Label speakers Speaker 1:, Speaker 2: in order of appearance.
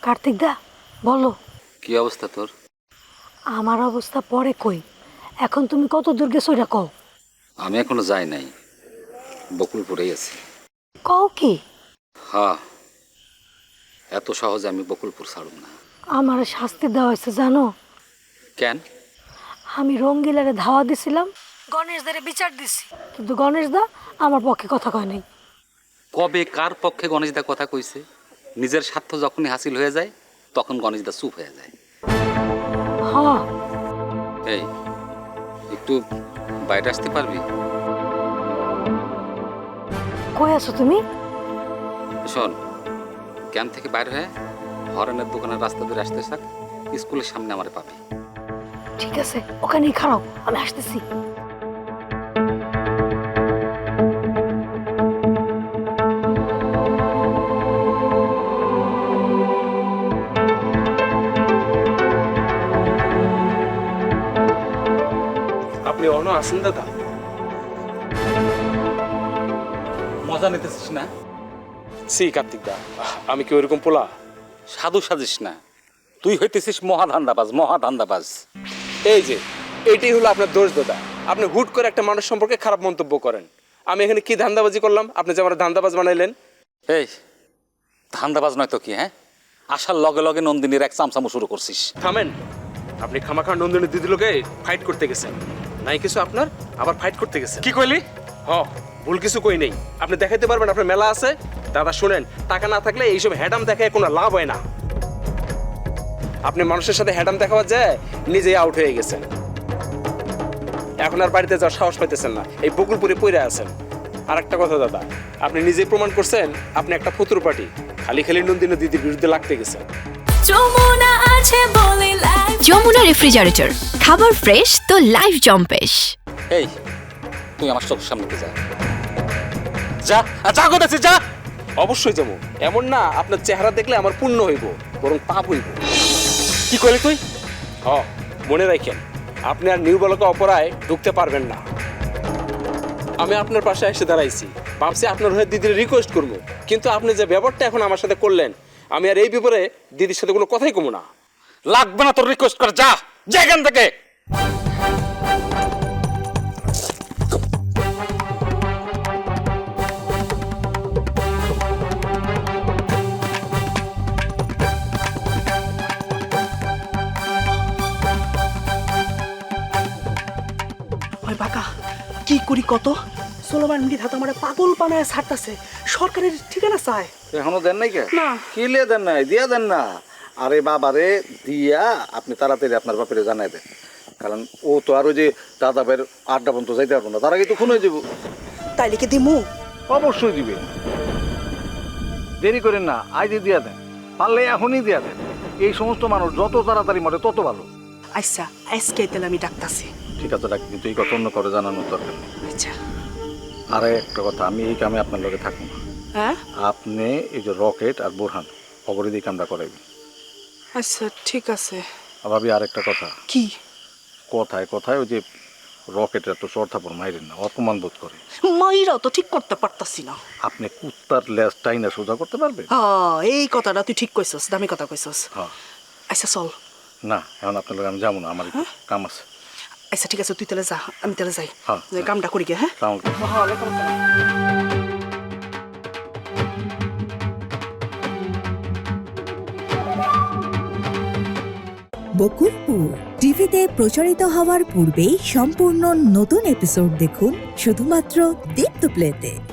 Speaker 1: কার্তিক দা বলো।
Speaker 2: কি অবস্থা তোর?
Speaker 1: আমার অবস্থা পরে কই, এখন তুমি কত দূর গেছো এটা কও।
Speaker 2: আমি এখনো যাই নাই, বকুলপুরেই আছি।
Speaker 1: কও কি?
Speaker 2: হ্যাঁ, এত সহজে আমি বকুলপুর ছাড়ব না।
Speaker 1: আমার শাস্তি দেওয়া হয়েছে জানো।
Speaker 2: কেন?
Speaker 1: আমি রঙ্গিলারে ধাওয়া দিছিলাম, গণেশ দারে বিচার দিছি, কিন্তু গণেশ দা আমার পক্ষে কথা কয় নাই।
Speaker 2: কবে কার পক্ষে গণেশদা কথা কইছে? নিজের স্বার্থ যখনই হাসিল হয়ে যায় তখন গণেশদা চুপ হয়ে যায়।
Speaker 1: হ্যাঁ
Speaker 2: এই একটু বাইরে আসতে পারবি?
Speaker 1: কই আছো তুমি?
Speaker 2: শোন, ক্যাম্প থেকে বাইরে হয়ে হরেনের দোকানের রাস্তা ধরে আসতে থাক, স্কুলের সামনে আমারে পাবি।
Speaker 1: ঠিক আছে, ওখানেই খারাপ, আমি আসতেছি।
Speaker 3: আপনি অন্য আসেন দাদা?
Speaker 2: মজা নিতেছিস না?
Speaker 3: সি কার্তিক দা, আমি কি ওইরকম পোলা?
Speaker 2: সাধু সাজিস না, তুই হইতেছিস মহাধান্দাবাজ, মহাধান্দাবাজ।
Speaker 3: এই যে এইটাই হলো আপনার দোষ দাদা, আপনি হুট করে একটা মানুষ সম্পর্কে খারাপ মন্তব্য করেন। আমি এখানে কি ধান্দাবাজি করলাম আপনি যে আমার ধান্দাবাজ বানাইলেন?
Speaker 2: এই ধান্দাবাজ নয় তো কি? হ্যাঁ, আসার লগে লগে নন্দিনীর এক চামচামো শুরু করছিস।
Speaker 3: থামেন, আপনি খামাখা নন্দিনী দিদিলোকে ফাইট করতে গেছেন, নাই কিছু আপনার আবার ফাইট করতে গেছেন।
Speaker 2: কি কইলি?
Speaker 3: ভুল কিছু কই নেই, আপনি দেখাইতে পারবেন আপনার মেলা আছে। দাদা শুনেন, টাকা না থাকলে এইসব হ্যাডাম দেখায় কোনো লাভ হয় না। আপনি মানুষের সাথে হ্যাডাম দেখাবার যায় নিজেই আউট হয়ে গেছেন, এখন আর বাড়িতে যাওয়ার সাহস পাইতেছেন না, এই বকুলপুরে পইরা আছেন। আর একটা কথা দাদা, আপনি নিজেই প্রমাণ করছেন আপনি একটা ফতুর পার্টি, খালি খালি নন্দিনী দিদির বিরুদ্ধে লাগতে গেছেন।
Speaker 4: যমুনা রেফ্রিজারেটর, খাবার ফ্রেশ তো লাইফ জম্পেশ।
Speaker 2: এই তুই আমার চোখের সামনে যা, যা যা করতেছিস, যা।
Speaker 3: অবশ্যই যাবো, এমন না আপনার চেহারা দেখলে আমার পুণ্য হইব, বরং পাপ হইব।
Speaker 2: কি কইলি তুই?
Speaker 3: মনে রাখেন, আপনি আর নিউ বলকে অপরায় ঢুকতে পারবেন না। আমি আপনার পাশে এসে দাঁড়াইছি, ভাবছি আপনার হয়ে দিদির রিকোয়েস্ট করবো, কিন্তু আপনি যে ব্যাপারটা এখন আমার সাথে করলেন, আমি আর এই ব্যাপারে দিদির সাথে কোনো কথাই কমু না।
Speaker 2: লাগবে না তোর রিকোয়েস্ট কর, যা যা এখান থেকে।
Speaker 5: ওই বাকা কি করি কত সোলোমান মৃধা তো আমার পাগল বানায় ছাড়তাছে, সরকারের ঠিকানা চায়।
Speaker 6: এখনো দেন নাই কে?
Speaker 5: না।
Speaker 6: কি লিয়ে দেন নাই? দিয়া দেন না। আরে বাবারে দিয়া আপনি তাড়াতাড়ি আপনার বাপেরে জানাই দেন, কারণ ও তো আরো যে দাদা ভাইয়ের আড্ডা পর্যন্ত যাইতে পারবো না, তার আগে তো খুন হয়ে যাবো।
Speaker 5: তাই লিখে দিমু?
Speaker 6: অবশ্যই দিবে, দেরি করেন না, আজই দিয়া দেন, পারলে এখনই দিয়া দেন। এই সমস্ত মানুষ যত তাড়াতাড়ি মরে তত ভালো।
Speaker 5: আচ্ছা আজকে তাহলে আমি ডাকতাছি।
Speaker 6: ঠিক আছে ডাক, কিন্তু এই কথা অন্য করে জানানোর দরকার নেই।
Speaker 5: আচ্ছা।
Speaker 6: আরে একটা কথা, আমি এই কামে আপনার লগে থাকবো না।
Speaker 5: হ্যাঁ
Speaker 6: আপনি এই যে রকেট আর বোরহান অপরাধী কামটা করাইবেন।
Speaker 5: আচ্ছা ঠিক আছে।
Speaker 6: ভাবি আরেকটা কথা,
Speaker 5: কি?
Speaker 6: কথায় কথায় ওই যে রকেটের তো চর থাপড় মাইরেন না, অপমান বোধ করে।
Speaker 5: মাইরাও তো ঠিক করতে পারতাছি না।
Speaker 6: আপনি কুত্তার লেজ টাইনা সোজা করতে পারবেন?
Speaker 5: হ্যাঁ এই কথাটা তুই ঠিক কইছস, দামি কথা কইছস।
Speaker 6: হ্যাঁ।
Speaker 5: আচ্ছা চল।
Speaker 6: না এখন আপনার লগে আমি যাবো না, আমার একটু কাম আছে।
Speaker 5: আচ্ছা ঠিক আছে, তুই তাহলে যা, আমি তাহলে যাই।
Speaker 6: হ্যাঁ।
Speaker 5: কামটা করি গে। হ্যাঁ
Speaker 6: আসসালামু আলাইকুম।
Speaker 7: বকুলপুর টিভিতে প্রচারিত হওয়ার পূর্বেই সম্পূর্ণ নতুন এপিসোড দেখুন শুধুমাত্র দীপ্ত প্লেতে।